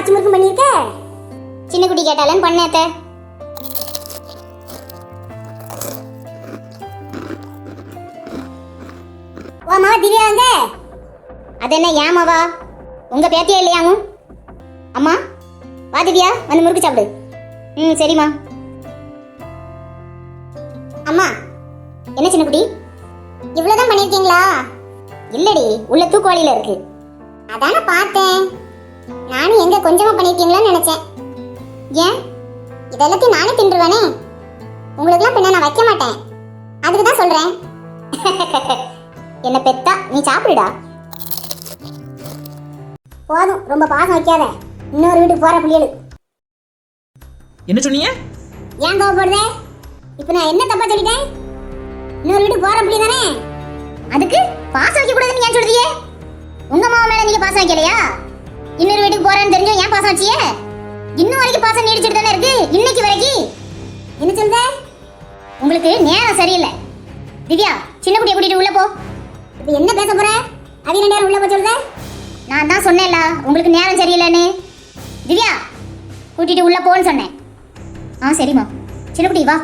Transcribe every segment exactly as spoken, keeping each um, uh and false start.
ஆச்சி முறுக்கும் பண்ணிருக்க? சின்ன குட்டி கேட்டாலன்னு பண்ணேத்த. ஓ மாவா திவ்யா வாங்க. அது என்ன ஏமாவா? உங்க பேத்தியா இல்லையாங்க? அம்மா வா திவ்யா, வந்து முறுக்கு சாப்பிடு. ம் சரிம்மா. அம்மா என்ன சின்ன குட்டி இவ்வளவுதான் பண்ணிருக்கீங்களா? இல்லடி, உள்ள தூக்குவாளியில இருக்கு. அதான பார்த்தேன். நானும் எங்க கொஞ்சமா பண்ணிருக்கீங்களான்னு நினைச்சேன். ஏன் இதெல்லாத்தையும் நானே தின்றுவேனே. உங்களுக்குலாம் பின்ன நான் வைக்க மாட்டேன். அதுக்கு தான் சொல்றேன். என்ன பெத்தா நீ சாப்பிடுடா. போதும், ரொம்ப பாசம் வைக்காத. இன்னொரு வீட்டுக்கு போற புள்ளியலு. என்ன சொன்னீங்க? ஏன் கோவப்படுதே? இப்ப நான் என்ன தப்பா சொல்லிட்டேன்? இன்னொரு வீட்டுக்கு போற புள்ளி தானே. அதுக்கு பாசம் வைக்க கூடாதுன்னு ஏன் சொல்றீங்க? உங்க மாமா மேல நீங்க பாசம் வைக்கலையா? இன்னொரு வீட்டுக்கு போறேன்னு தெரிஞ்சோ ஏன் பாசம் வச்சியே? இன்னும் வரைக்கும் பாசம் நீடிச்சிட்டு தானே இருக்கு, இன்னைக்கு வரைக்கும். என்ன சொல்ற? உங்களுக்கு நேரம் சரியில்லை. திவ்யா, சின்ன குட்டியை கூட்டிட்டு உள்ள போ. இப்ப என்ன பேச போற? அது ரெண்டு நேரம் உள்ள போ சொல்ற? நான் தான் சொன்னேன்ல உங்களுக்கு நேரம் சரியில்லைன்னு. திவ்யா கூட்டிட்டு உள்ள போன்னு சொன்னேன். ஆ சரிம்மா. சின்ன குட்டி வா.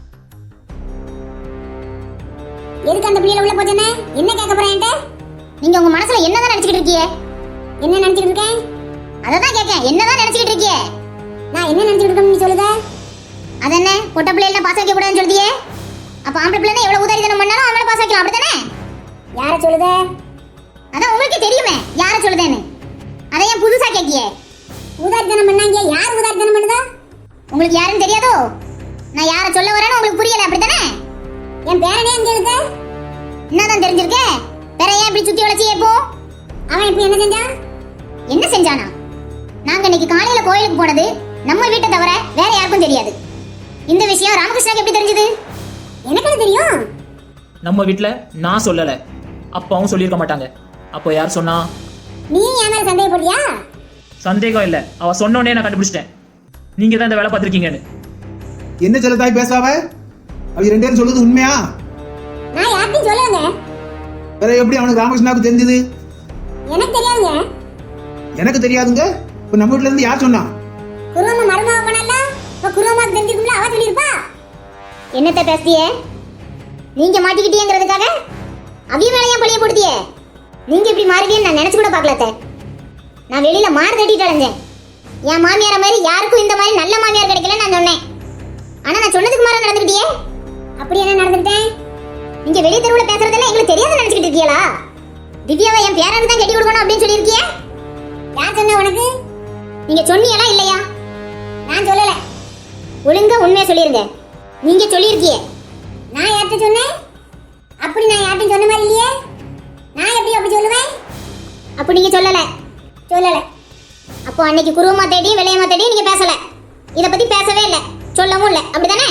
எதுக்கு அந்த பிள்ளைல உள்ள போச்சனே? என்ன கேட்க போறேன்ட்ட? நீங்க உங்க மனசுல என்னதான் நினைச்சிட்டு இருக்கீங்க? என்ன நினைச்சிட்டு இருக்கேன்? அததான் கேட்கேன். என்னதான் நினைச்சிட்டு இருக்கீங்க? நான் என்ன நினைச்சிட்டு இருக்கேன்னு நீ சொல்லுத? அதென்ன பொட்ட பிள்ளைல பாச வைக்க கூடாதுன்னு சொல்லியே? அப்ப ஆம்பளை பிள்ளைனா எவ்வளவு உதாரித்தனம் பண்ணாலும் அவங்கள பாச வைக்கலாம், அப்படிதானே? யார சொல்லுத? அதான் உங்களுக்கே தெரியுமே யார சொல்லுதேன்னு. அதை ஏன் புதுசா கேட்கியே? உதாரித்தனம் பண்ணாங்க. யார் உதாரித்தனம் பண்ணுதா? உங்களுக்கு யாருன்னு தெரியாதோ? நான் யார சொல்ல வரேன்னு உங்களுக்கு புரியல, அப்படிதானே? என் பேரனே அங்க இருக்கு. என்னதான் தெரிஞ்சிருக்கே? வேற ஏன் இப்படி சுத்தி வளைச்சி ஏப்போ? அவன் இப்ப என்ன செஞ்சான்? என்ன செஞ்சானா? நாங்க இன்னைக்கு காலையில கோயிலுக்கு போனது நம்ம வீட்டை தவிர வேற யாருக்கும் தெரியாது. இந்த விஷயம் ராமகிருஷ்ணாக்கு எப்படி தெரிஞ்சது? எனக்கு தெரியும். நம்ம வீட்ல நான் சொல்லல, அப்பாவும் சொல்லியிருக்க மாட்டாங்க. அப்போ யார் சொன்னா? நீ ஏன் மேல சந்தேகப்படுறியா? சந்தேகம் இல்ல, அவ சொன்னோடனே நான் கண்டுபிடிச்சிட்டேன். நீங்க தான் இந்த வேலை பார்த்திருக்கீங்கன்னு. என்ன சொல்ல தாய் பேசாவ? அவ ரெண்டு பேரும் சொல்றது உண்மையா? நான் யார்கிட்டயும் சொல்லலங்க. வேற எப்படி அவனுக்கு ராமகிருஷ்ணாவுக்கு தெரிஞ்சது? எனக்கு தெரியாதுங்க. எனக்கு தெரியாதுங்க. இப்ப நம்ம வீட்ல இருந்து யார் சொன்னா? குருவம்மா மருமக பண்ணல. இப்ப குருவம்மாக்கு தெரிஞ்சிருக்கும்ல, அவ சொல்லிருப்பா. என்னத்த பேசியே? நீங்க மாட்டிக்கிட்டீங்கிறதுக்காக அவிய மேல ஏன் பழிய போடுதியே? நீங்க இப்படி மாறுவீன்னு நான் நினைச்சு கூட பார்க்கலத்த. நான் வெளியில மாறு தட்டிட்டு அலைஞ்சேன். என் மாமியார மாதிரி யாருக்கும் இந்த மாதிரி நல்ல மாமியார் கிடைக்கல நான் சொன்னேன். ஆனா நான் சொன்னதுக்கு மாற நடந்துக்கிட்டியே. அப்படி என்ன நடந்துக்கிட்டேன்? நீங்க வெளிய தெருவுல பேசுறதெல்லாம் எங்களுக்கு தெரியாத நினைச்சிட்டு இருக்கீங்களா? திவ்யாவை என் பேரனுக்கு தான் கட்டி கொடுக்கணும் அப்படின்னு சொல்லியிருக்கியே. யார் சொன்ன உனக்கு? நீங்க சொன்னீங்களா இல்லையா? நான் சொல்லல. ஒழுங்கா உண்மையை சொல்லிருங்க. நீங்க சொல்லியிருக்கியே. நான் யார்கிட்ட சொன்னேன்? அப்படி நான் யார்கிட்ட சொன்ன மாதிரி இல்லையே. நான் எப்படி அப்படி சொல்லுவேன்? அப்படி நீங்க சொல்லல. சொல்லல. அப்போ அன்னைக்கு குருவமா தேடி வெள்ளையம்மா தேடி நீங்க பேசல. இத பத்தி பேசவே இல்ல, சொல்லவும் இல்ல, அப்படிதானே?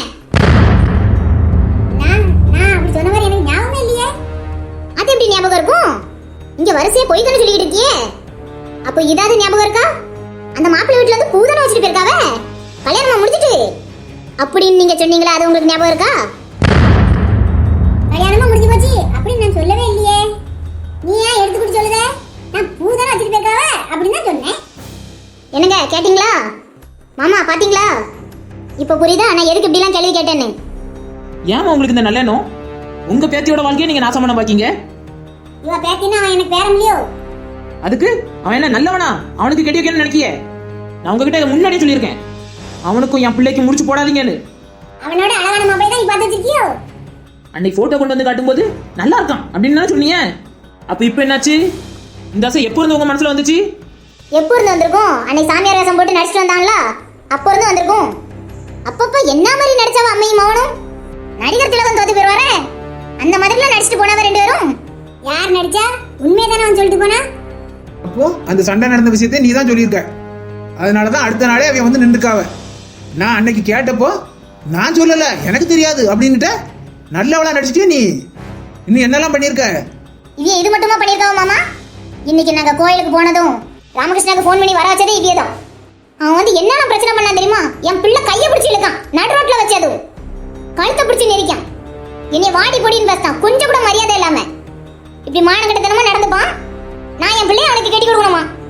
நான் நான் அப்படி சொன்ன மாதிரி எனக்கு ஞாபகமே இல்லையே. அது எப்படி ஞாபகம் இருக்கும்? இங்க வரிசையா போய் தானே சொல்லிட்டு இருக்கியே. அப்போ இதாவது ஞாபகம் இருக்கா? அந்த மாப்பிள்ளை வீட்டுல இருந்து பூதான வச்சுட்டு போயிருக்காவே, கல்யாணமா முடிச்சிட்டு அப்படின்னு நீங்க சொன்னீங்களா? அது உங்களுக்கு ஞாபகம் இருக்கா? கல்யாணமா முடிஞ்சு போச்சு அப்படின்னு நான் சொல்லவே இல்லையே. நீ ஏன் எடுத்து குடி சொல்லுத? நான் பூதான வச்சுட்டு போயிருக்காவே அப்படின்னு தான் சொன்னேன். என்னங்க கேட்டிங்களா? மாமா பாத்தீங்களா? இப்ப புரியுதா நான் எதுக்கு இப்படி எல்லாம் கேள்வி கேட்டேன்னு? ஏமா உங்களுக்கு இந்த நல்லெண்ணம்? உங்க பேத்தியோட வாழ்க்கையை நீங்க நாசம் பண்ண பாக்கீங்க. இவ பேத்தினா அவன் எனக்கு பேர முடியோ? அதுக்கு அவன் என்ன நல்லவனா? அவனுக்கு கெட்டி வைக்கணும்னு நினைக்கியே? நான் உங்ககிட்ட இதை முன்னாடியே சொல்லியிருக்கேன். அவனுக்கும் என் பிள்ளைக்கு முடிச்சு போடாதீங்கன்னு. அவனோட அழகான மாப்பிள்ளை தான் நீ பார்த்து வச்சிருக்கியோ? அன்னைக்கு போட்டோ கொண்டு வந்து காட்டும்போது நல்லா இருக்கான் அப்படின்னு சொன்னீங்க. அப்ப இப்ப என்னாச்சு? இந்த ஆசை எப்போ இருந்து உங்க மனசுல வந்துச்சு? எப்போ இருந்து வந்திருக்கும்? அன்னைக்கு சாமியார் வேஷம் போட்டு நடிச்சிட்டு வந்தாங்களா, அப்போ இருந்து வந்திருக்கும். அப்பப்ப என்ன மாதிரி நடிச்சவ அம்மையும் மௌனும் நடிகர் திலகம் தோத்து போயிருவாரே, அந்த மாதிரிலாம் நடிச்சிட்டு போனவ ரெண்டு பேரும். யார் நடிச்சா? உண்மையதானே அவன் சொல்லிட்டு போனா. அப்போ அந்த சண்டை நடந்த விஷயத்தை நீ தான் சொல்லியிருக்க. அதனாலதான் அடுத்த நாளே அவன் வந்து நின்றுக்காவ. நான் அன்னைக்கு கேட்டப்போ நான் சொல்லல, எனக்கு தெரியாது அப்படின்னுட்ட. நல்லவளா நடிச்சிட்டே நீ. இன்னும் என்னெல்லாம் பண்ணியிருக்க? இவ இது மட்டுமா பண்ணியிருக்காவ மாமா? இன்னைக்கு நாங்க கோயிலுக்கு போனதும் ராமகிருஷ்ணாக்கு ஃபோன் பண்ணி வர வச்சதே இவியதான். அவன் வந்து என்னென்ன பிரச்சனை பண்ணான் தெரியுமா? என் பிள்ளை கையை பிடிச்சி இழுக்கான், நடு ரோட்ல வச்சது கழுத்தை பிடிச்சி நெரிக்கான், என்னை வாடி பொடின்னு பேசிட்டான், கொஞ்சம் கூட மரியாதை இல்லாம. இப்படி மானகட்டத்தனமா நடந்துப்பான். நான் என் பிள்ளைய அவனுக்கு கட்டி கொடுக்கணுமா?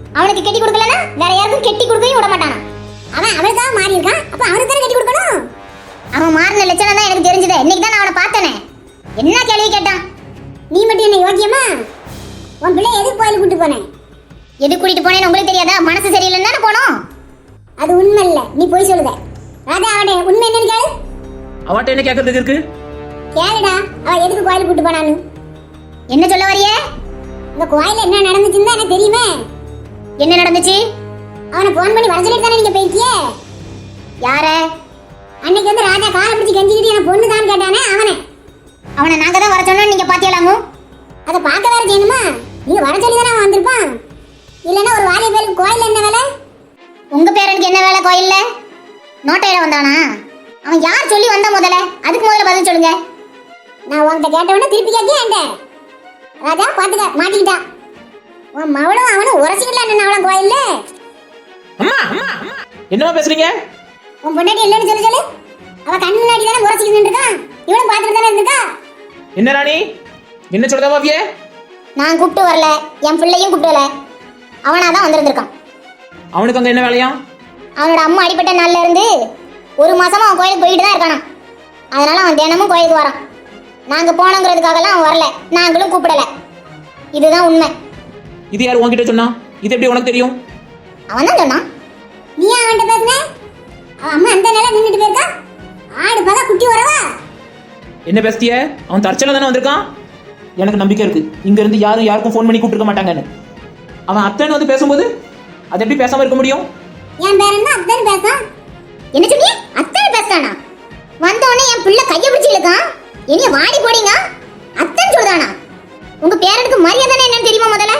அவனுக்கு கெட்டி கொடுக்கலனா வேற யாருக்கும் கெட்டி கொடுக்கவும் விட மாட்டானா. அவன் அவளுக்காக மாறி இருக்கான், அப்ப அவனுக்கு தானே கெட்டி கொடுக்கணும். அவன் மாறின லட்சணம் தான் எனக்கு தெரிஞ்சது. இன்னைக்கு தான் நான் அவனை பார்த்தனே. என்ன கேள்வி கேட்டான்? நீ மட்டும் என்ன யோக்கியமா? உன் பிள்ளை எதுக்கு கோயிலுக்கு கூட்டு போனேன்? எதுக்கு கூட்டிட்டு போனேன்னு உங்களுக்கு தெரியாதா? மனசு சரியில்லைன்னு தானே போனோம். அது உண்மை இல்ல, நீ போய் சொல்லுத. ராஜா அவனே உண்மை என்னன்னு கேளு. அவட்ட என்ன கேட்கறதுக்கு இருக்கு? கேளுடா, அவ எதுக்கு கோயிலுக்கு கூட்டு போனான்னு. என்ன சொல்ல வரியே? இந்த கோயில்ல என்ன நடந்துச்சுன்னு எனக்கு தெரியுமே. என்ன நடந்துச்சு? அவனை போன் பண்ணி வர சொல்லிட்டு தானே நீங்க போயிருக்கியே. யார? அன்னைக்கு வந்து ராஜா காலை பிடிச்சி கெஞ்சிக்கிட்டு என்ன பொண்ணு தான் கேட்டானே அவனை. அவனை நாங்க தான் வர சொன்னோம், நீங்க பாத்தியலாமோ? அதை பார்க்க வேற செய்யணுமா? நீங்க வர சொல்லி தானே அவன் வந்திருப்பான். இல்லைன்னா ஒரு வாலிய பேருக்கு கோயில்ல என்ன வேலை? உங்க பேரனுக்கு என்ன வேலை கோயில்ல? நோட்டையில வந்தானா? அவன் யார் சொல்லி வந்தா முதல்ல? அதுக்கு முதல்ல பதில் சொல்லுங்க. நான் உன்கிட்ட கேட்டவன திருப்பி கேட்க ராஜா பாத்துக்க மாட்டிக்கிட்டா. உன் மவளும் அவனும் உரசிக்கலாம் என்ன அவளும் கோயில்ல. அம்மா அம்மா அம்மா என்னமா பேசுறீங்க? உன் பொண்டாட்டி இல்லைன்னு சொல்லி சொல்லு. அவ கண் முன்னாடி தானே உரசிக்கிட்டு இருக்கான், இவனும் பாத்துட்டு தானே இருக்கா. என்ன ராணி என்ன சொல்றதா மாவியே? நான் கூப்பிட்டு வரல, என் பிள்ளையும் கூப்பிட்டு வரல, அவனாதான் வந்திருந்திருக்கான். அவனுக்கு அங்க என்ன வேலையா? அவனோட அம்மா அடிப்பட்ட நாள்ல இருந்து ஒரு மாசமா அவன் கோயிலுக்கு போயிட்டு தான் இருக்கானா. அதனால அவன் தினமும் கோயிலுக்கு வரான். நாங்க போனோங்கிறதுக்காகலாம் அவன் வரல, நாங்களும் கூப்பிடல. இதுதான் உண்மை. இது யார் உன்கிட்ட சொன்னா? இது எப்படி உனக்கு தெரியும்? அவன் தான் சொன்னான். நீ அவன்கிட்ட பேசுன? அவன் அம்மா அந்த நிலை நின்றுட்டு போயிருக்கா. ஆடு பகா குட்டி வரவா? என்ன பேசிய? அவன் தற்செயலா தானே வந்திருக்கான். எனக்கு நம்பிக்கை இருக்கு இங்க இருந்து யாரும் யாருக்கும் ஃபோன் பண்ணி கூப்பிட்டுருக்க மாட்டாங்கன்னு. அவன் அத்தைன்னு வந்து பேசும்போது அது எப்படி பேசாம இருக்க முடியும்? என் பேரன் தான் அத்தனை பேசான். என்ன சொன்னீங்க? அத்தனை பேசானா? வந்த உடனே என் பிள்ளை கையை பிடிச்சி இழுக்கான். இனிய வாடி போடிங்க அத்தனை சொல்றானா? உங்க பேரனுக்கு மரியாதை என்னன்னு தெரியுமா? முதல்ல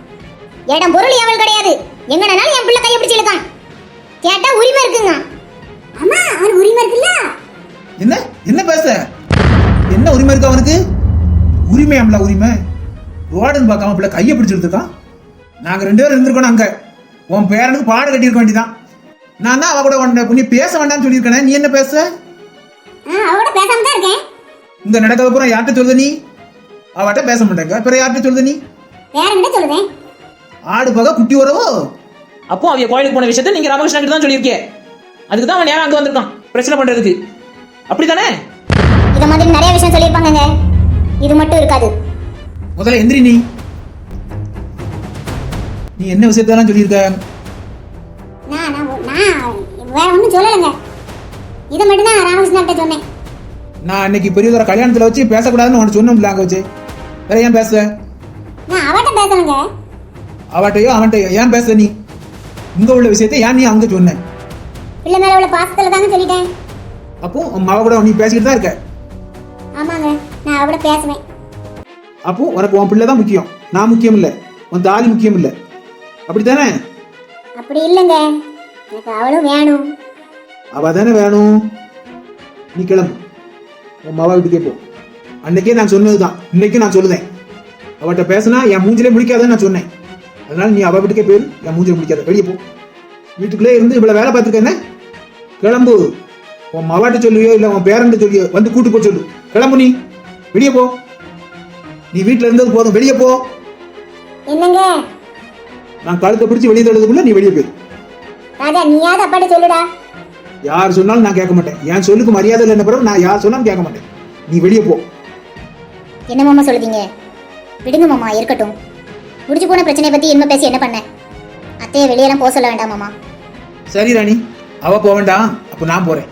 இடம் பொருள் எவள் கிடையாது. எங்கனாலும் என் பிள்ளை கையை பிடிச்சி இழுக்கான். கேட்டா உரிமை இருக்குங்க. அம்மா அவனுக்கு உரிமை இருக்குல்ல? என்ன என்ன பேச? என்ன உரிமை இருக்கு அவனுக்கு? உரிமையாம்ல உரிமை. ரோடுன்னு பார்க்காம பிள்ளை கையை பிடிச்சிருக்கான். நாங்க ரெண்டு பேரும் இருந்திருக்கோம் அங்க. உன் பேரனுக்கு பாடு கட்டியிருக்க வேண்டியதான். நான் தான் அவ கூட உன்னை நீ பேச வேண்டாம்னு சொல்லியிருக்கேன். நீ என்ன பேச? அவட பேசாம தான் இருக்கேன். இந்த நடக்காத பூரா யார்கிட்ட சொல்லுத நீ? அவட்ட பேச மாட்டேங்க. பிற யார்கிட்ட சொல்லுத நீ? பேரன்கிட்ட சொல்லுவேன். ஆடு பகா குட்டி வரவோ? அப்போ அவன் கோயிலுக்கு போன விஷயத்த நீங்க ராமகிருஷ்ணன் கிட்ட தான் சொல்லியிருக்கே. அதுக்கு தான் அவன் நேரம் அங்க வந்திருக்கான் பிரச்சனை பண்றதுக்கு. அப்படித்தானே? இத மாதிரி நிறைய விஷயம் சொல்லியிருப்பாங்கங்க. இது மட்டும் இருக்காது. முதல்ல எந்திரி. நீ நீ என்ன விஷயத்தெல்லாம் சொல்லியிருக்க? நான் நான் வேற ஒன்றும் சொல்லலைங்க. இதை மட்டும் தான் ராமகிருஷ்ணன்ட்ட சொன்னேன். நான் அன்னைக்கு பெரியதோட கல்யாணத்துல வச்சு பேசக்கூடாதுன்னு உனக்கு சொன்னோம்ல அங்க வச்சு. வேற ஏன் பேச? நான் அவட்ட பேசணுங்க. அவட்டையோ அவன்கிட்டயோ ஏன் பேச? நீ இங்க உள்ள விஷயத்தை ஏன் நீ அவங்க சொன்ன? பிள்ளை மேல உள்ள பாசத்துல தாங்க சொல்லிட்டேன். அப்போ உன் மக கூட நீ பேசிக்கிட்டு தான் இருக்க. ஆமாங்க, நான் அவட பேசுவேன். அப்போ உனக்கு உன் பிள்ளை தான் முக்கியம், நான் முக்கியம் இல்லை, உன் தாலி முக்கியம் இல்லை, அப்படித்தானே? அப்படி இல்லைங்க, எனக்கு அவளும் வேணும். அவ தானே வேணும். நீ கிளம்பு, உன் மவ வீட்டுக்கே போ. அன்னைக்கே நான் சொன்னதுதான், இன்னைக்கு நான் சொல்லுதேன். அவட்ட பேசினா என் மூஞ்சிலே முடிக்காதுன்னு நான் சொன்னேன். அதனால நீ அவ வீட்டுக்கே போயிரு, என் மூஞ்சில முடிக்காத, வெளியே போ. வீட்டுக்குள்ளே இருந்து இவ்வளவு வேலை பார்த்துருக்க என்ன? கிளம்பு. உன் மவாட்ட சொல்லுவியோ இல்லை உன் பேரண்ட சொல்லியோ வந்து கூட்டு போ சொல்லு. கிளம்பு, நீ வெளியே போ. நீ வீட்டுல இருந்தது போதும், வெளியே போ. என்னங்க? நான் கழுத்தை பிடிச்சி வெளியே தள்ளதுக்குள்ள நீ வெளியே போயிரு. ராஜா, நீயாவது அப்பாட்ட சொல்லுடா. யார் சொன்னாலும் நான் கேட்க மாட்டேன். என் சொல்லுக்கு மரியாதை இல்லை பிறகு நான் யார் சொன்னாலும் கேட்க மாட்டேன். நீ வெளியே போ. என்ன மாமா சொல்லுதீங்க? விடுங்க மாமா, இருக்கட்டும். முடிச்சு போன பிரச்சனையை பத்தி என்ன பேசி என்ன பண்ண? அத்தையை வெளியெல்லாம் போக சொல்ல வேண்டாம் மாமா. சரி ராணி, அவ போக வேண்டாம், அப்ப நான் போறேன்.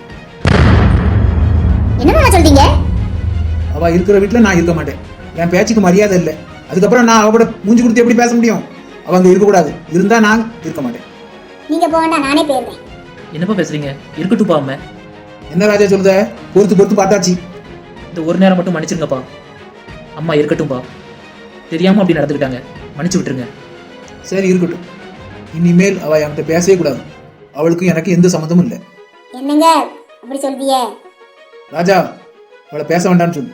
என்ன மாமா சொல்றீங்க? அவ இருக்கிற வீட்டுல நான் இருக்க மாட்டேன். என் பேச்சுக்கு மரியாதை இல்லை. அதுக்கப்புறம் நான் அவ கூட மூஞ்சி கொடுத்து எப்படி பேச முடியும்? அவங்க இருக்கக்கூடாது, இருந்தா நான் இருக்க மாட்டேன். நீங்க போக வேண்டாம், நானே போயிருந்தேன். என்னப்பா பேசுறீங்க? இருக்கட்டும் பாம. என்ன ராஜா சொல்லுத? பொறுத்து பொறுத்து பார்த்தாச்சு. இந்த ஒரு நேரம் மட்டும் மன்னிச்சிருங்கப்பா. அம்மா இருக்கட்டும்பா, தெரியாம அப்படி நடந்துக்கிட்டாங்க, மன்னிச்சு விட்டுருங்க. சரி இருக்கட்டும். இனிமேல் அவ என்கிட்ட பேசவே கூடாது. அவளுக்கும் எனக்கு எந்த சம்மந்தமும் இல்லை. என்னங்க அப்படி சொல்றிய? ராஜா, அவளை பேச வேண்டாம்னு சொல்லு.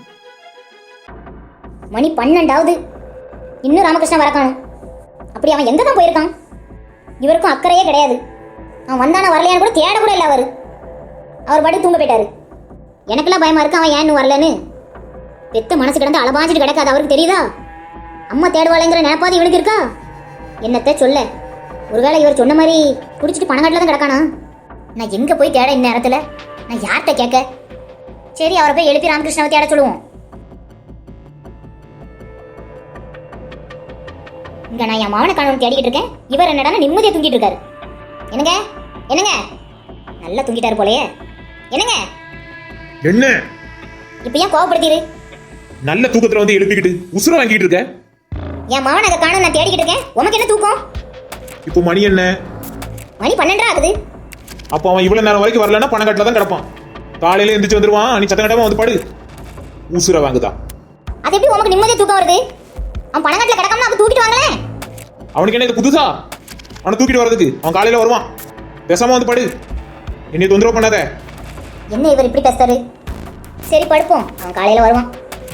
மணி பன்னெண்டாவது, இன்னும் ராமகிருஷ்ணன் வரக்கானும். அப்படி அவன் எங்க தான் போயிருக்கான்? இவருக்கும் அக்கறையே கிடையாது. அவன் வந்தானா வரலையான்னு கூட தேட கூட இல்லை. அவரு அவர் படி தூங்க போயிட்டாரு. எனக்கெல்லாம் பயமா இருக்கு அவன் ஏன்னு வரலன்னு. பெத்த மனசு கிடந்து அலபாஞ்சிட்டு கிடக்காது அவருக்கு தெரியுதா? அம்மா தேடுவாளைங்கிற நினைப்பாது இவனுக்கு இருக்கா? என்னத்த சொல்ல? ஒருவேளை இவர் சொன்ன மாதிரி குடிச்சிட்டு பணங்காட்டில் தான் கிடக்கானா? நான் எங்க போய் தேட இந்நேரத்துல? நான் யார்கிட்ட கேட்க? சரி, அவரை போய் எழுப்பி ராமகிருஷ்ணாவை தேட சொல்லுவோம். இங்க நான் என் மாவன காணவன் தேடிக்கிட்டு இருக்கேன். இவர் என்னடா நிம்மதியா தூங்கிட்டு இருக்காரு. என்னங்க என்னங்க நல்லா தூங்கிட்டாரு போலயே. என்னங்க என்ன இப்ப ஏன் கோவப்படுத்தீரு? நல்ல தூக்கத்துல வந்து எழுப்பிக்கிட்டு உசுர வாங்கிட்டு இருக்க? என் மாவன் அங்க காணும், நான் தேடிக்கிட்டு இருக்கேன். உனக்கு என்ன தூக்கம்? இப்போ மணி என்ன? மணி பன்னெண்டா ஆகுது. அப்போ அவன் இவ்வளவு நேரம் வரைக்கும் வரலன்னா பணக்காட்டில தான் கிடப்பான். காலையில எந்திரிச்சு வந்துருவான். நீ சத்த கட்டமா வந்து படு. உசுர வாங்குதா? அது எப்படி உனக்கு நிம்மதியா தூக்கம் வருது? அவன் பணங்காட்டில் கிடக்காம அவன் தூக்கிட்டு வாங்களேன். அவனுக்கு என்ன இது புதுசா? அவனை தூக்கிட்டு வர்றதுக்கு அவன் காலையில வருவான். பேசாம வந்து படு. என்னை தொந்தரவு பண்ணாத. என்ன இவர் இப்படி பேசுறாரு? சரி படுப்போம், அவன் காலையில வருவான்.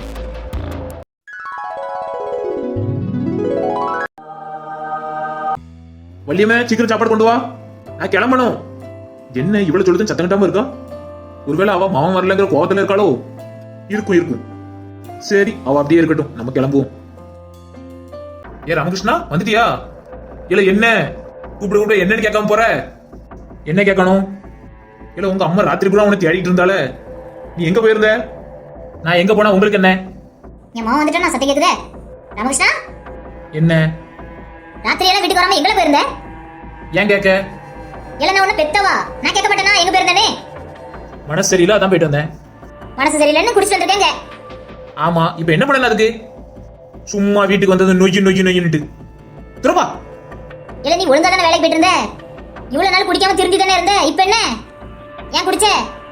வள்ளியம்மே, சீக்கிரம் சாப்பாடு கொண்டு வா, நான் கிளம்பணும். என்ன இவ்வளவு சொல்லுதுன்னு சத்தம் கட்டாம இருக்கா? ஒருவேளை அவ மாமன் வரலங்கிற கோவத்துல இருக்காளோ? இருக்கும் இருக்கும். சரி, அவ அப்படியே இருக்கட்டும், நம்ம கிளம்புவோம். ஏ ராமகிருஷ்ணா, வந்துட்டியா? இல்ல என்ன கூப்பிட கூப்பிட என்னன்னு கேட்காம போற? என்ன கேட்கணும்? இல்ல உங்க அம்மா ராத்திரி கூட உன்னை தேடிட்டு இருந்தால, நீ எங்க போயிருந்த? நான் எங்க போனா உங்களுக்கு என்ன? என் மாவன் வந்துட்டா நான் சத்தம் கேக்குதே. ராமகிருஷ்ணா, என்ன ராத்திரி எல்லாம் வீட்டுக்கு வராம எங்களை போயிருந்த? ஏன் கேட்க? இல்ல நான் உன்ன பெத்தவா? நான் கேட்க மாட்டேனா எங்க போயிருந்தேனே? மனசு சரியில்லை, அதான் போயிட்டு வந்தேன். மனசு சரியில்லைன்னு குடிச்சிட்டு வந்திருக்கேங்க. ஆமா, இப்ப என்ன பண்ணல அதுக்கு? சும்மா வீட்டுக்கு வந்தது நொய்யு நொய்யு நொய்யுன்னுட்டு திருப்பா. இல்ல நீ ஒழுங்கா தானே வேலைக்கு போயிட்டு இருந்த. இவ்வளவு நாள் குடிக்காம திருந்தி தானே இருந்த. இப்ப என்ன ஏன் குடிச்ச?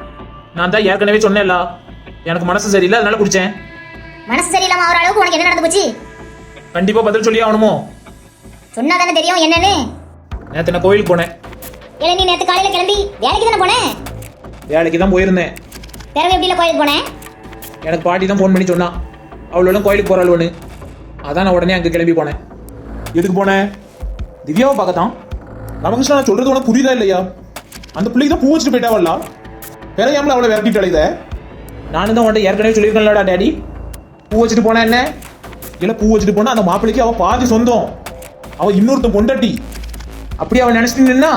நான் தான் ஏற்கனவே சொன்னேன்ல, எனக்கு மனசு சரியில்லை, அதனால குடிச்சேன். மனசு சரியில்லாம ஆகிற அளவுக்கு உனக்கு என்ன நடந்து போச்சு? கண்டிப்பா பதில் சொல்லி ஆகணுமோ? சொன்னா தானே தெரியும் என்னன்னு. நேத்து நான் கோயிலுக்கு போனேன். இல்ல நீ நேத்து காலையில கிளம்பி வேலைக்கு தானே போனேன்? வேலைக்கு தான் போயிருந்தேன். பிறகு எப்படில கோயிலுக்கு போனேன்? எனக்கு பாட்டி தான் ஃபோன் பண்ணி சொன்னா அவளோட கோயிலுக்கு போறாள்னு. அதான் நான் உடனே அங்க கிளம்பி போனேன். எதுக்கு போனேன்? திவ்யாவை பார்க்கத்தான். ராமகிருஷ்ணா, நான் சொல்றது உனக்கு புரியுதா இல்லையா? அந்த பிள்ளைக்கு தான் பூ வச்சுட்டு போயிட்டாவல்ல, பெறையாமல அவளை விரட்டிட்டு அழைத. நானும் தான் உன்ட்ட ஏற்கனவே சொல்லியிருக்கேன்லடா டேடி, பூ வச்சுட்டு போனா என்ன? இல்ல பூ வச்சுட்டு போனா அந்த மாப்பிள்ளைக்கு அவ பாதி சொந்தம், அவ இன்னொருத்தன் பொண்டாட்டி. அப்படியே அவன் நினைச்சிட்டீங்கன்னா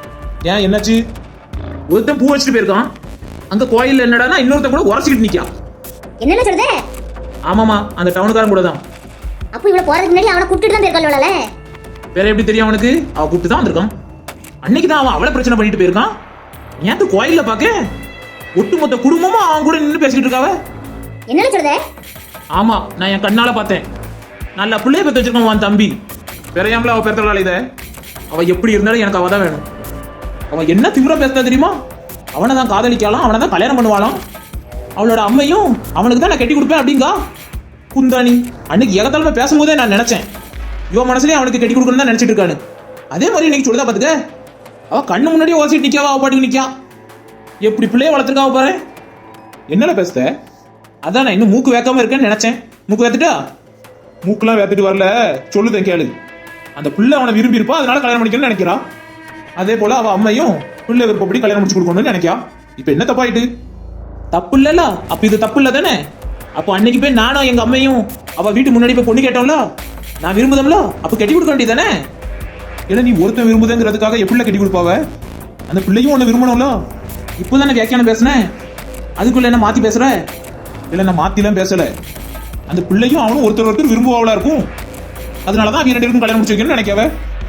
ஏன் என்னாச்சு? ஒருத்தன் பூ வச்சுட்டு போயிருக்கான், அங்க கோயில்ல என்னடானா இன்னொருத்தன் கூட உரசிக்கிட்டு நிக்கான். என்னன்னு சொல்லுதே? ஆமாமா, அந்த டவுனுக்காரன் கூட தான். அப்ப இவ்வளவு போறதுக்கு முன்னாடி அவனை கூப்பிட்டு தான் போயிருக்கல. வேற எப்படி தெரியும் அவனுக்கு? அவ கூப்பிட்டு தான் வந்திருக்கான். அன்னைக்கு தான் அவன் அவளை பிரச்சனை பண்ணிட்டு போயிருக்கான். ஏன் கோயில்ல பாக்க ஒட்டுமொத்த குடும்பமும் அவன் கூட நின்று பேசிக்கிட்டு இருக்காவ. என்னன்னு சொல்லுதே? ஆமா, நான் என் கண்ணால பார்த்தேன். நல்ல பிள்ளைய பெற்று வச்சிருக்கான் உன் தம்பி. பெறையாமல அவ பெருத்தலால இத. அவ எப்படி இருந்தாலும் எனக்கு அவ தான் வேணும். அவன் என்ன திமிரா பேசுறா தெரியுமா? அவனை தான் காதலிக்கலாம், அவனை தான் கல்யாணம் பண்ணுவாளாம். அவளோட அம்மையும் அவனுக்கு தான் நான் கட்டி கொடுப்பேன் அப்படிங்கா. குந்தாணி அன்னைக்கு ஏகத்தாலுமே பேசும்போதே நான் நினைச்சேன், இவன் மனசுலயே அவனுக்கு கட்டி கொடுக்கணும் தான் நினைச்சிட்டு இருக்கானு. அதே மாதிரி இன்னைக்கு சொல்லுதா பாத்துக்க. அவ கண்ணு முன்னாடியே ஓசிட்டு நிக்காவா, அவ பாட்டுக்கு நிக்கா. எப்படி பிள்ளைய வளர்த்துருக்காவ பாரு. என்னல பேசுத? அதான் நான் இன்னும் மூக்கு வேக்காம இருக்கேன்னு நினைச்சேன். மூக்கு வேத்துட்டா? மூக்குலாம் வேத்துட்டு வரல, சொல்லுதேன் கேளு. அந்த பிள்ளை அவனை விரும்பி இருப்பா, அதனால கல்யாணம் பண்ணிக்கணும்னு நினைக்கிறா. அதே போல அவ அம்மையும் பிள்ளை விருப்பப்படி கல்யாணம் முடிச்சு கொடுக்கணும்னு நினைக்கா. இப்ப என்ன தப்பாயிட்டு? தப்பு இல்லல, அப்ப இது தப்பு இல்ல தானே? அப்போ அன்னைக்கு போய் நானும் எங்க அம்மையும் அவ வீட்டு முன்னாடி போய் பொண்ணு கேட்டோம்ல, நான் விரும்புதம்ல, அப்ப கட்டி கொடுக்க வேண்டியதானே? இல்ல நீ ஒருத்தன் விரும்புதுங்கிறதுக்காக எப்படி கட்டி கொடுப்பாவ? அந்த பிள்ளையும் உன்னை விரும்பணும்ல. இப்போதானே வியாக்கியானம் பேசுனேன், அதுக்குள்ள என்ன மாத்தி பேசுற? இல்ல நான் மாத்திலாம் பேசல. அந்த பிள்ளையும் அவனும் ஒருத்தர் ஒருத்தர் விரும்புவாவளா இருக்கும். அதனாலதான் அவங்க ரெண்டு பேருக்கும் கல்யாணம் முடிச்சு வைக்கணும்னு நினைக்கவ.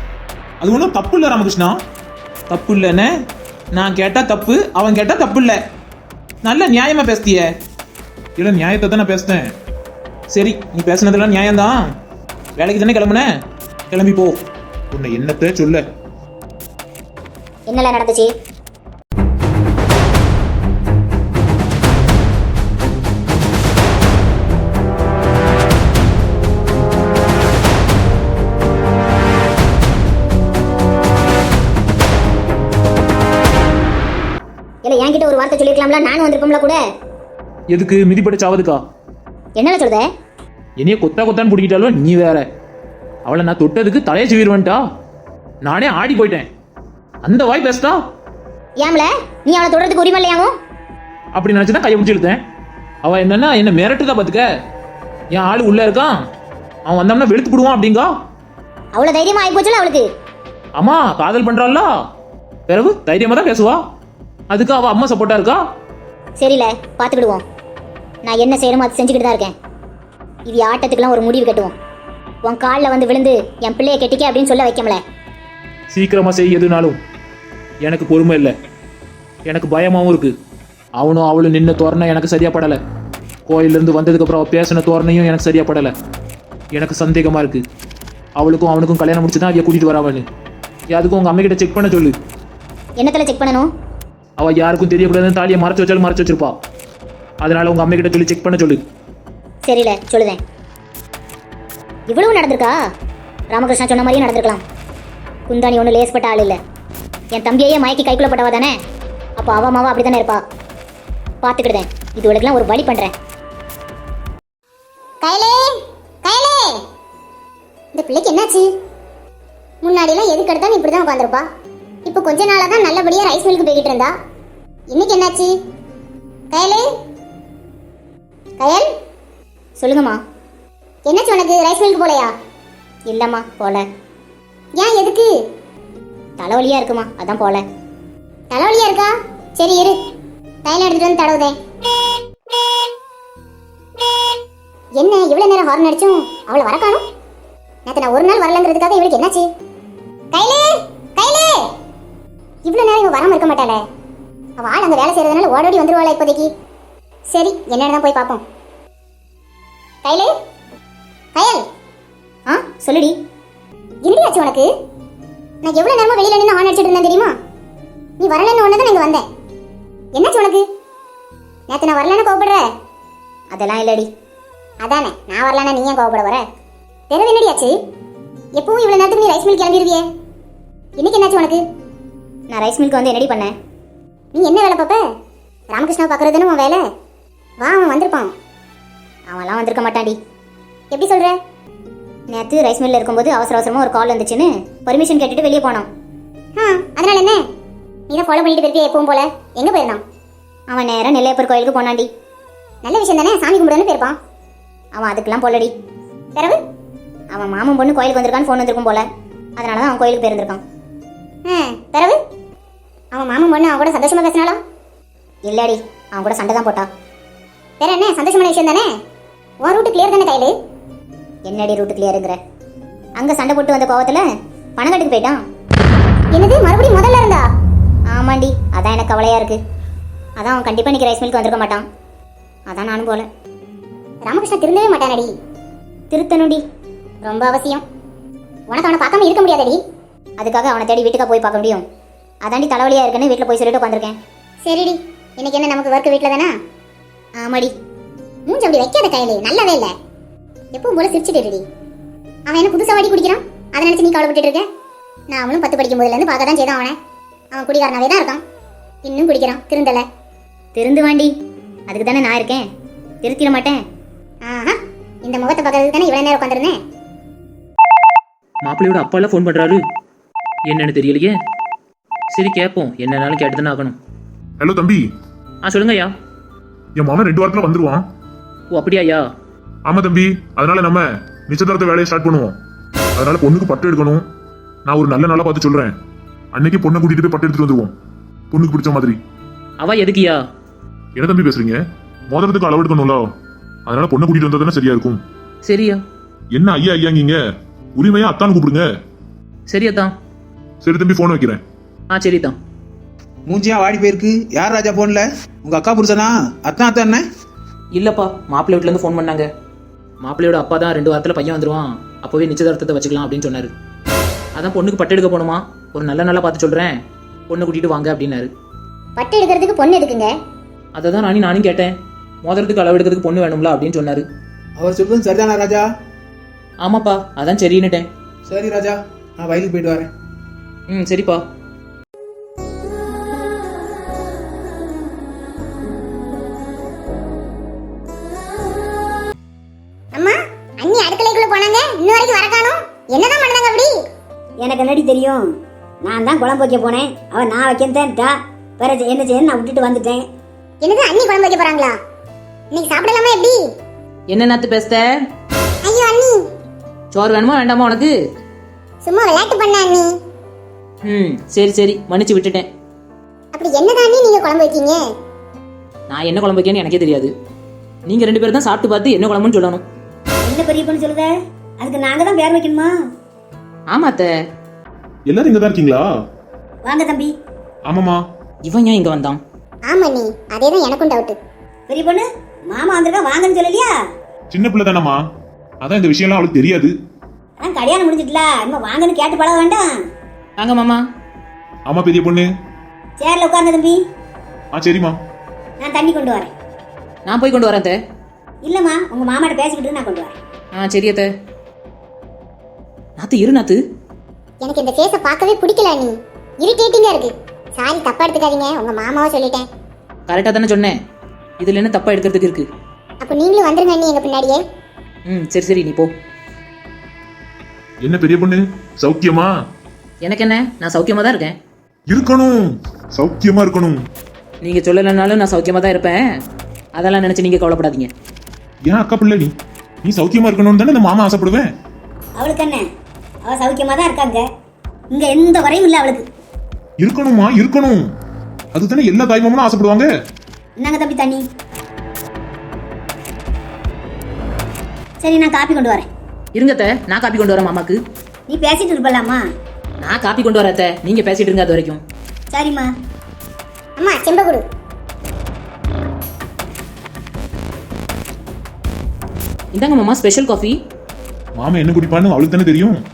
அது ஒன்றும் தப்பு இல்ல ராமகிருஷ்ணா. தப்பு இல்லைன்னு நான் கேட்டா தப்பு, அவன் கேட்டா தப்பு இல்ல. நல்ல நியாயமா பேசுதிய. இல்ல நியாயத்தை தான் நான் பேசுனேன். சரி, நீ பேசுனதெல்லாம் நியாயம்தான். வேலைக்கு தானே கிளம்புன, கிளம்பி போ. உன்னை என்னத்தை சொல்ல? என்னல நடந்துச்சு? இல்ல என்கிட்ட ஒரு வார்த்தை சொல்லிருக்கலாம்ல, நானும் வந்திருப்போம்ல கூட. எதுக்கு மிதிப்பட்ட சாவதுக்கா? என்னல சொல்லுத? என்னைய கொத்தா கொத்தான்னு பிடிக்கிட்டாலும் நீ வேற. அவளை நான் தொட்டதுக்கு தலையை சிவிடுவன்ட்டா. நானே ஆடி போயிட்டேன். அந்த வாய் பேசுதா? ஏம்ல நீ அவளை தொடர்றதுக்கு உரிமை இல்லையாவும்? அப்படி நினைச்சுதான் கையை பிடிச்சி இழுத்தேன். அவ என்னன்னா என்ன மிரட்டுதா பாத்துக்க. என் ஆளு உள்ள இருக்கான், அவன் வந்தோம்னா வெளுத்து போடுவான் அப்படிங்கா. அவ்வளவு தைரியமா ஆகி போச்சுல அவளுக்கு. அம்மா காதல் பண்றாள்ல, பிறகு தைரியமா தான் பேசுவா. அதுக்கு அவ அம்மா சப்போர்ட்டா இருக்கா. சரியில்ல, பார்த்துக்கிடுவோம். நான் என்ன செய்யணுமோ அது செஞ்சுக்கிட்டு தான் இருக்கேன். இது ஆட்டத்துக்குலாம் ஒரு முடிவு கட்டுவோம். உன் காலில் வந்து விழுந்து என் பிள்ளைய கெட்டிக்க அப்படின்னு சொல்ல வைக்கமல. சீக்கிரமா செய் எதுனாலும். எனக்கு பொறுமை இல்லை, எனக்கு பயமாவும் இருக்கு. அவனும் அவளும் நின்ன தோரணை எனக்கு சரியா படலை. கோயிலிருந்து வந்ததுக்கு அப்புறம் அவ பேசின தோரணையும் எனக்கு சரியா படலை. எனக்கு சந்தேகமா இருக்கு. அவளுக்கும் அவனுக்கும் கல்யாணம் முடிச்சு தான் அவைய கூட்டிட்டு வராவன்னு. அதுக்கும் உங்க அம்மைக்கிட்ட செக் பண்ண சொல்லு. என்னத்துல செக் பண்ணணும்? அவ யாருக்கும் தெரியக்கூடாதுன்னு தாலியை மறைச்சு வச்சாலும் மறைச்சு வச்சிருப்பா. அதனால உங்க அம்மைக்கிட்ட சொல்லி செக் பண்ண சொல்லு. சரியில்ல, சொல்லுதேன். இவ்வளவு நடந்திருக்கா? ராமகிருஷ்ணா சொன்ன மாதிரியே நடந்திருக்கலாம். குந்தாணி ஒன்றும் லேஸ்பட்ட ஆள் இல்லை. என் தம்பியையே மயக்கி கைக்குள்ள போட்டவா தானே. அப்போ அவ மாவா அப்படி தானே இருப்பா. பார்த்துக்கிடுதேன், இதுவளுக்கெல்லாம் ஒரு வழி பண்ணுறேன். கையிலே கையிலே, இந்த பிள்ளைக்கு என்னாச்சு? முன்னாடியெல்லாம் எதுக்கு எடுத்தாலும் இப்படி தான் உட்காந்துருப்பா. இப்போ கொஞ்ச நாளாக தான் நல்லபடியாக ரைஸ் மில்க்கு போய்கிட்டு இருந்தா. இன்னைக்கு என்னாச்சு? கயலே, கயல், சொல்லுங்கம்மா. என்னாச்சு உனக்கு? ரைஸ் மில்க்கு போலையா? இல்லைம்மா, போல. ஏன், எதுக்கு? தலைவலியா இருக்குமா, அதான் போல. தலைவலியா இருக்கா? சரி இரு, தைலம் எடுத்துட்டு வந்து தடவுதேன். என்ன இவ்வளவு நேரம் ஹார்ன் அடிச்சும் அவளை வர காணும்? நேற்று நான் ஒரு நாள் வரலங்கிறதுக்காக இவளுக்கு என்னாச்சு? கையிலே கையிலே, இவ்வளவு நேரம் இவ வராம இருக்க மாட்டாளே. அவ ஆள் அங்க வேலை செய்யறதுனால ஓடோடி வந்துருவாளா இப்போதைக்கு. சரி, என்னன்னு தான் போய் பார்ப்போம். கையிலே, கயல். ஆ சொல்லுடி. என்னடியாச்சு உனக்கு? நான் எவ்வளவு நேரமா வெளியில நின்று ஹார்ன் அடிச்சிட்டு இருந்தேன் தெரியுமா? நீ வரலன்னு ஒன்று தான் இங்க வந்தேன். என்னாச்சு உனக்கு? நேற்று நான் வரலன்னு கோவப்படுற? அதெல்லாம் இல்லடி. அதானே, நான் வரலன்னா நீ ஏன் கோவப்பட வர? தெரியல, என்னடியாச்சு? எப்பவும் இவ்வளவு நேரத்துக்கு நீ ரைஸ் மில் கிளம்பிடுவியே, இன்னைக்கு என்னாச்சு உனக்கு? நான் ரைஸ் மில்க்கு வந்து என்னடி பண்ணேன்? நீ என்ன வேலை பார்ப்ப? ராமகிருஷ்ணா பார்க்கறதுன்னு உன் வேலை. வா, அவன் வந்திருப்பான். அவன்லாம் வந்திருக்க மாட்டான்டி. எப்படி சொல்ற? நேற்று ரைஸ் மில்லில் இருக்கும்போது அவசர அவசரமாக ஒரு கால் வந்துச்சுன்னு பர்மிஷன் கேட்டுட்டு வெளியே போனான். ஆ, அதனால என்ன? நீ தான் ஃபாலோ பண்ணிட்டு போயிருப்பியா எப்பவும் போல. எங்கே போயிருந்தான்? அவன் நேரம் நெல்லையப்பர் கோயிலுக்கு போனான்டி. நல்ல விஷயம் தானே, சாமி கும்பிடுன்னு போயிருப்பான். அவன் அதுக்கெல்லாம் போலடி. பிறகு அவன் மாமன் பொண்ணு கோயிலுக்கு வந்திருக்கான்னு ஃபோன் வந்திருக்கும் போல. அதனால தான் அவன் கோயிலுக்கு போயிருந்திருக்கான். ஆ, பிறகு அவன் மாமன் பொண்ணு அவன் கூட சந்தோஷமா பேசினாலும்? இல்லடி, அவன் கூட சண்டை தான் போட்டா. வேற என்ன, சந்தோஷமான விஷயம் தானே. உன் ரூட்டு கிளியர் தானே கையில? என்னடி ரூட்டு கிளியருங்கிற? அங்கே சண்டை போட்டு வந்த கோவத்தில் பணக்காட்டுக்கு போயிட்டான். என்னது, மறுபடியும் முதல்ல இருந்தா? ஆமாண்டி, அதான் எனக்கு கவலையாக இருக்கு. அதான் அவன் கண்டிப்பாக இன்னைக்கு ரைஸ் மில்க்கு வந்திருக்க மாட்டான். அதான் நானும் போல. ராமகிருஷ்ணா திருந்தவே மாட்டானடி. திருத்தணுடி, ரொம்ப அவசியம். உனக்கு அவனை பார்க்காம இருக்க முடியாதடி. அதுக்காக அவனை தேடி வீட்டுக்கா போய் பார்க்க முடியும். அதாண்டி தலைவலியாக இருக்குன்னு வீட்டில் போய் சொல்லிட்டு உட்காந்துருக்கேன். சரிடி, இன்னைக்கு என்ன நமக்கு ஒர்க் வீட்டில் தானே? ஆமாடி. மூஞ்சி அப்படி வைக்காத கையிலே, நல்லாவே இல்லை. எப்பவும் போல சிரிச்சுட்டு. அவன் என்ன புதுசாக வாடி குடிக்கிறான், அதை நினச்சி நீ கவலைப்பட்டு இருக்க? நான் அவனும் பத்து படிக்கும் போதுலேருந்து பார்க்க தான் செய்தான் அவனை. அவன் குடிகாரனாவே தான் இருக்கான். இன்னும் குடிக்கிறான், திருந்தலை. திருந்து வாண்டி, அதுக்கு தானே நான் இருக்கேன். திருத்திட மாட்டேன். ஆஹா, இந்த முகத்தை பார்க்கறதுக்கு தானே இவ்வளோ நேரம் உட்காந்துருந்தேன். மாப்பிள்ளையோட அப்பா எல்லாம் ஃபோன் பண்றாரு, என்னன்னு தெரியலையே. சரி கேட்போம், என்னன்னாலும் கேட்டு தானே ஆகணும். ஹலோ தம்பி. ஆ சொல்லுங்க ஐயா. என் மாமன் ரெண்டு வாரத்துல வந்துருவான். ஓ அப்படியா ஐயா? ஆமா தம்பி, அதனால நம்ம நிச்சயதார்த்த வேலையை ஸ்டார்ட் பண்ணுவோம். அதனால பொண்ணுக்கு பட்டு எடுக்கணும். நான் ஒரு நல்ல நாளா பார்த்து சொல்றேன். அன்னைக்கு பொண்ணை கூட்டிட்டு போய் பட்டு எடுத்துட்டு வந்துருவோம், பொண்ணுக்கு பிடிச்ச மாதிரி. அவ எதுக்குயா? என்ன தம்பி பேசுறீங்க? மோதிரத்துக்கு அளவு எடுக்கணும்ல, அதனால பொண்ணை கூட்டிட்டு வந்தா தானே சரியா இருக்கும். சரியா? என்ன ஐயா ஐயாங்கீங்க, உரிமையா அத்தான்னு கூப்பிடுங்க. சரியா தான். சரி தம்பி, போன் வைக்கிறேன். ஆ சரி தான். மூஞ்சியா வாடி போயிருக்கு. யார் ராஜா போன்ல? உங்க அக்கா புருஷனா? அத்தான் அத்தான் என்ன? இல்லப்பா, மாப்பிள்ளை வீட்டுல இருந்து ஃபோன் பண்ணாங்க. மாப்பிள்ளையோட அப்பா தான் ரெண்டு வாரத்துல பையன் வந்துருவான், அப்பவே நிச்சயதார்த்தத்தை வச்சுக்கலாம் அப்படின்னு சொன்னாரு. அதான் பொண்ணுக்கு பட்டு எடுக்க போகணுமா, ஒரு நல்ல நாளா பார்த்து சொல்றேன், பொண்ணை கூட்டிட்டு வாங்க அப்படின்னாரு. பட்டு எடுக்கிறதுக்கு பொண்ணு எதுக்குங்க? அதை தான் நானும் நானும் கேட்டேன். மோதிரத்துக்கு அளவு எடுக்கிறதுக்கு பொண்ணு வேணும்ல அப்படின்னு சொன்னாரு. அவர் சொல்றது சரிதானா ராஜா? ஆமாப்பா, அதான் சரின்னுட்டேன். சரி ராஜா, நான் வயலுக்கு போயிட்டு வரேன். ம் சரிப்பா. அம்மா, அண்ணி அடுக்கலைக்குள்ள போனாங்க, இன்ன வரைக்கும் வர காணோம். என்னதான் பண்ணாங்க அப்படி? எனக்கு என்னடி தெரியும்? நான் தான் குழம்பு வைக்க போனேன், அவன் நான் வைக்கத்தேன்ட்டா. வேற என்ன செய்ய நான் விட்டுட்டு வந்துட்டேன். என்னது, அண்ணி குழம்பு வைக்க போறாங்களா? இன்னைக்கு சாப்பிடலாமா எப்படி? என்ன நாத்து பேசுத? ஐயோ அண்ணி, சோறு வேணுமா வேண்டாமா உனக்கு? சும்மா விளையாட்டு பண்ண அண்ணி. ம் சரி சரி மன்னிச்சு விட்டுட்டேன். அப்படி என்னதானே நீங்க குழம்பு வைக்கீங்க? நான் என்ன குழம்பு வைக்கேன்னு எனக்கே தெரியாது. நீங்கள் ரெண்டு பேரும் தான் சாப்பிட்டு பார்த்து என்ன குழம்புன்னு சொல்லணும். என்ன பெரிய பொண்ணு சொல்லுத? அதுக்கு நாங்க தான் பேர் வைக்கணுமா? ஆமா அத்தை. எல்லாரும் இங்க தான் இருக்கீங்களா? வாங்க தம்பி. ஆமாமா. இவன் ஏன் இங்கே வந்தான்? ஆமா நீ அதேதான் எனக்கும் டவுட். பெரிய பொண்ணு மாமா வந்திருக்கா வாங்கன்னு சொல்லலையா? சின்ன பிள்ளை தானம்மா, அதான் இந்த விஷயம்லாம் அவளுக்கு தெரியாது. அதான் கல்யாணம் முடிஞ்சிட்டல, இன்னும் வாங்கன்னு கேட்டு பழக வேண்டாம். வாங்க மாமா. ஆமா பெரிய பொண்ணு. சேர்ல உட்காருங்க தம்பி. ஆ சரிம்மா. நான் தண்ணி கொண்டு வரேன். நான் போய் கொண்டு வரேன் அத்தை. இல்லம்மா உங்க மாமாட்ட பேசிக்கிட்டு நான் கொண்டு வரேன். ஆ சரி அத்தை. நாத்து இரு நாத்து. எனக்கு இந்த ஃபேஸை பார்க்கவே பிடிக்கல நீ. இரிட்டேட்டிங்கா இருக்கு. சாரி தப்பா எடுத்துக்காதீங்க, உங்க மாமாவை சொல்லிட்டேன். கரெக்டாக தானே சொன்னேன். இதில் என்ன தப்பாக எடுக்கிறதுக்கு இருக்கு? அப்போ நீங்களும் வந்துருங்க நீ எங்க பின்னாடியே. ம் சரி சரி நீ போ. என்ன பெரிய பொண்ணு சௌக்கியமா? எனக்கு என்ன, நான் சௌக்கியமாக தான் இருக்கேன். இருக்கணும், சௌக்கியமா இருக்கணும். நீங்கள் சொல்லலைனாலும் நான் சௌக்கியமாக தான் இருப்பேன். அதெல்லாம் நினச்சி நீங்கள் கவலைப்படாதீங்க. ஏன் அக்கா பிள்ளை நீ நீ சௌக்கியமா இருக்கணும்னு தானே இந்த மாமா ஆசைப்படுவேன். அவளுக்கு என்ன, அவ சௌக்கியமா தான் இருக்காங்க. இங்க எந்த குறையும் இல்ல அவளுக்கு. இருக்கணுமா இருக்கணும், அதுதானே எல்லா தாய்மாமனும் ஆசைப்படுவாங்க. என்னங்க தம்பி தண்ணி? சரி நான் காப்பி கொண்டு வரேன். இருங்க அத்தை, நான் காப்பி கொண்டு வரேன் மாமாக்கு. நீ பேசிட்டு இருப்பலாமா? நான் காப்பி கொண்டு வரேன் அத்தை, நீங்கள் பேசிட்டு இருங்க அது வரைக்கும். சரிம்மா. அம்மா செம்ப கொடு. இந்தாங்க மாமா ஸ்பெஷல் காஃபி. மாமா என்ன குடிப்பான்னு அவளுக்கு தானே தெரியும்.